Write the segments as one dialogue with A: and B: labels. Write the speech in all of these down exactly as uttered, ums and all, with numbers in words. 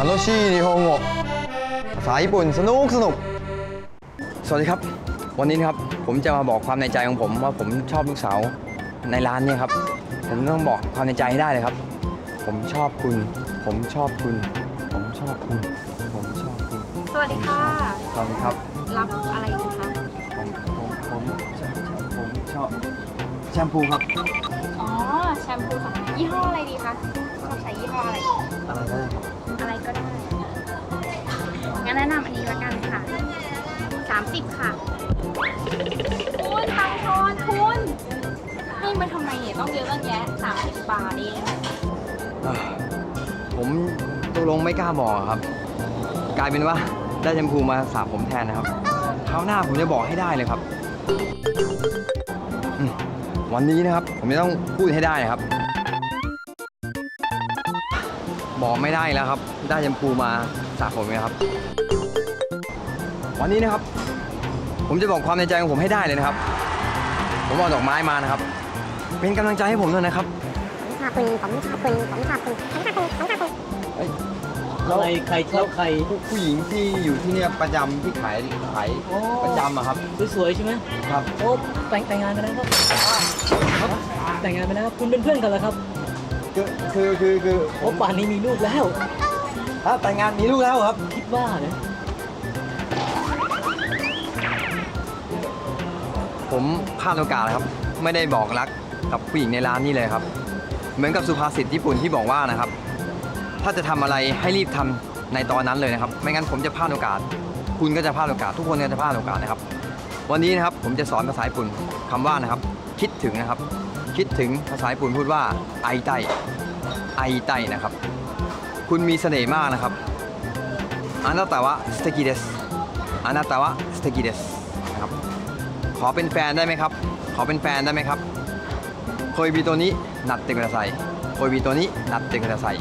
A: 楽しい日本語ภาษาญี่ปุ่นสนุกสนุกสวัสดีครับวันนี้นะครับผมจะมาบอกความในใจของผมว่าผมชอบลูกสาวในร้านนี้ครับผมต้องบอกความในใจให้ได้เลยครับผมชอบคุณผมชอบคุณผมชอบคุณผมชอบคุณ
B: สวัสดีค่ะ
A: สวัสดีครับ
B: รับอะไรดีคะ
A: ผมผมผมชอบผมชอบแชมพูครับ
B: อ๋อแชมพูค่ะยี่ห้ออะไรดีคะชอบใช้ยี่ห้ออะไร
A: อะไรก็ได้ครับ
B: อะไรก็ได้งั้นแนะนำอันนี้ละกันค่ะสามสิบค่ะคุณทางทอนคุณให้มาทำไมเนี่ยต้องเยอะตั้งแยะสามสิบบาทเอง
A: ผมตกลงไม่กล้าบอกครับกลายเป็นว่าได้แชมพูมาสระผมแทนนะครับคราวหน้าผมจะบอกให้ได้เลยครับวันนี้นะครับผมจะต้องพูดให้ได้ครับบอกไม่ได้แล้วครับได้แชมพูมาสระผมนะครับวันนี้นะครับผมจะบอกความในใจของผมให้ได้เลยนะครับผมเอาดอกไม้มานะครับเป็นกำลังใจให้ผมด้วยนะครับ
C: ผมชอบคุณผมชอบคุณผมชอบคุณผมชอบคุณผมชอบคุณ
D: อะไรใครชอบใคร
A: ผู้หญิงที่อยู่ที่เนี่ยประจำที่ขายขายประจำอะครับ
D: สวยๆใช่ไหม
A: ครับ
D: โอ้แต่งแต่งงานไปแล้วครับแต่งงานไปแล้วครับคุณเป็นเพื่อนกันเหรอครับ
A: คือคือคือคือ
D: โอ้ป่านนี้มีลูกแล้ว
A: ถ้าแต่งงานมีลูกแล้วครับ
D: คิดว่าเนี่ย
A: ผมพลาดโอกาสครับไม่ได้บอกรักกับผู้หญิงในร้านนี่เลยครับเหมือนกับสุภาษิตญี่ปุ่นที่บอกว่านะครับถ้าจะทำอะไรให้รีบทำในตอนนั้นเลยนะครับไม่งั้นผมจะพลาดโอกาสคุณก็จะพลาดโอกาสทุกคนก็จะพลาดโอกาสนะครับวันนี้นะครับผมจะสอนภาษาญี่ปุ่นคำว่านะครับคิดถึงนะครับคิดถึงภาษาญี่ปุ่นพูดว่าไอไตไอไตนะครับคุณมีเสน่ห์มากนะครับอานาตาวะสเตกิเดสอานาตาวะสเตกิเดสนะครับขอเป็นแฟนได้ไหมครับขอเป็นแฟนได้ไหมครับโคยบิโตนินัตเตกุดาไซโคยบิโตนินัตเตกุดาไซ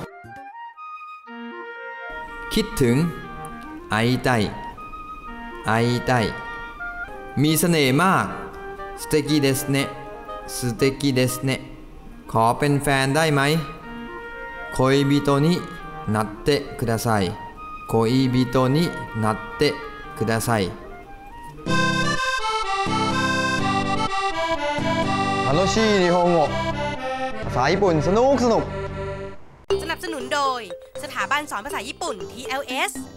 A: คิดถึงไอไตไอไตมีเสน่ห์มากสเตกิเดสเนสเตกิเดสเนขอเป็นแฟนได้ไหมโคยบิโตนินัตเตกุดาไซโคยบิโตนินัตเตกุดาไซ楽しい日本語ภาษาญี่ปุ่นสนุกสนุก
E: สนับสนุนโดยสถาบันสอนภาษาญี่ปุ่น ที แอล เอส